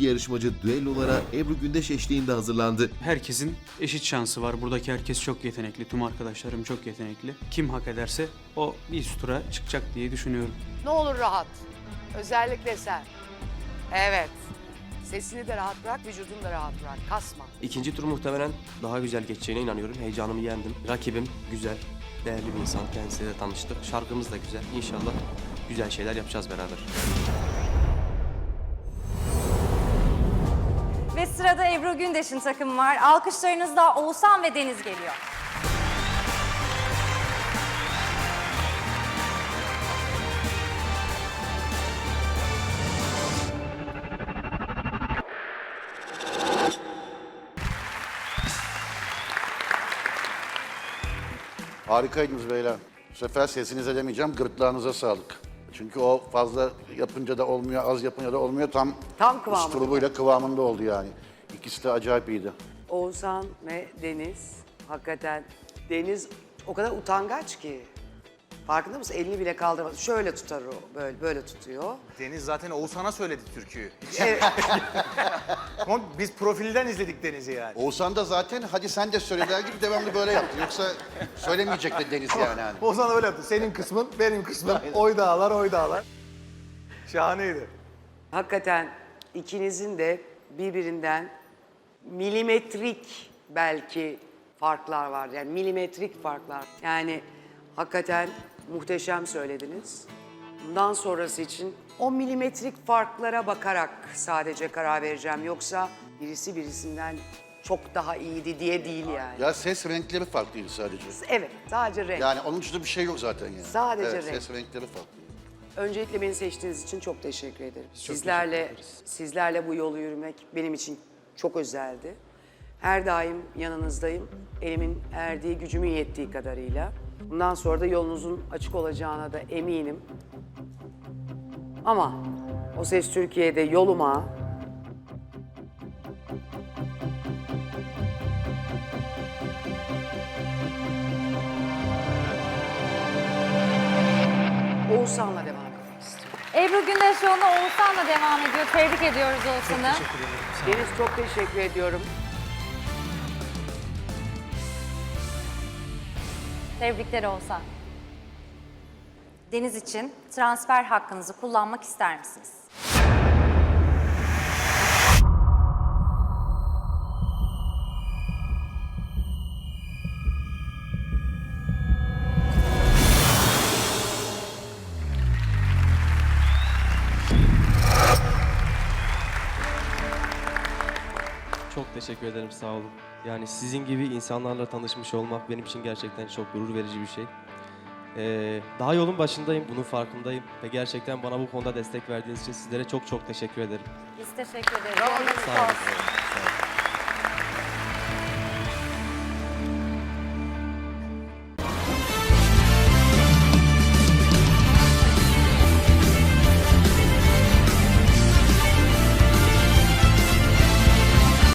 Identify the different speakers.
Speaker 1: İki yarışmacı düellolara Ebru Gündeş eşliğinde hazırlandı.
Speaker 2: Herkesin eşit şansı var. Buradaki herkes çok yetenekli. Tüm arkadaşlarım çok yetenekli. Kim hak ederse o bir üst tura çıkacak diye düşünüyorum.
Speaker 3: Ne olur rahat. Özellikle sen. Evet. Sesini de rahat bırak, vücudunu da rahat bırak. Kasma.
Speaker 4: İkinci tur muhtemelen daha güzel geçeceğine inanıyorum. Heyecanımı yendim. Rakibim güzel, değerli bir insan. Kendisiyle de tanıştık. Şarkımız da güzel. İnşallah güzel şeyler yapacağız beraber.
Speaker 5: Ve sırada Ebru Gündeş'in takımı var. Alkışlarınızla Oğuzhan ve Deniz geliyor.
Speaker 6: Harikaydınız beyler. Bu sefer sesinize demeyeceğim, gırtlağınıza sağlık. Çünkü o fazla yapınca da olmuyor, az yapınca da olmuyor.
Speaker 3: Tam kıvamında.
Speaker 6: Üslubuyla kıvamında oldu yani. İkisi de acayip iyiydi.
Speaker 3: Oğuzhan ve Deniz. Hakikaten Deniz o kadar utangaç ki. Farkında mısın? Elini bile kaldırmaz. Şöyle tutar o. Böyle tutuyor.
Speaker 7: Deniz zaten Oğuzhan'a söyledi türküyü.
Speaker 3: Evet.
Speaker 7: Ama biz profilden izledik Deniz'i yani.
Speaker 6: Oğuzhan da zaten hadi sen de söyle der gibi devamlı böyle yaptı. Yoksa söylemeyecek de Deniz yani. Hani.
Speaker 7: Oğuzhan da öyle yaptı. Senin kısmın, benim kısmım. Oy dağlar, oy dağlar. Şahaneydi.
Speaker 3: Hakikaten ikinizin de birbirinden milimetrik belki farklar var. Yani milimetrik farklar. Yani hakikaten muhteşem söylediniz. Bundan sonrası için o milimetrik farklara bakarak sadece karar vereceğim. Yoksa birisi birisinden çok daha iyiydi diye değil yani.
Speaker 6: Ya ses renkleri farklıydı sadece.
Speaker 3: Evet, sadece renk.
Speaker 6: Yani onun dışında bir şey yok zaten yani.
Speaker 3: Sadece
Speaker 6: evet,
Speaker 3: renk.
Speaker 6: ses renkleri farklı.
Speaker 3: Öncelikle beni seçtiğiniz için çok teşekkür ederim.
Speaker 2: çok
Speaker 3: Sizlerle bu yolu yürümek benim için çok özeldi. Her daim yanınızdayım. Elimin erdiği, gücümün yettiği kadarıyla. Bundan sonra da yolunuzun açık olacağına da eminim. Ama O Ses Türkiye'de yoluma Oğuzhan'la devam etmek istiyorum.
Speaker 5: Ebru Gündeş yoluna Oğuzhan'la devam ediyor. Tebrik ediyoruz Oğuzhan'ı.
Speaker 3: Deniz, çok teşekkür ediyorum.
Speaker 5: Tebrikler Oğuzhan. Deniz için transfer hakkınızı kullanmak ister misiniz?
Speaker 4: Çok teşekkür ederim, sağ olun. Yani sizin gibi insanlarla tanışmış olmak benim için gerçekten çok gurur verici bir şey. Daha yolun başındayım, bunun farkındayım. Ve gerçekten bana bu konuda destek verdiğiniz için sizlere çok çok teşekkür ederim.
Speaker 5: Biz teşekkür ederiz.
Speaker 3: Bravo.
Speaker 5: Yolunuz
Speaker 4: Sağ olun.
Speaker 5: olsun.
Speaker 4: Sağ olun.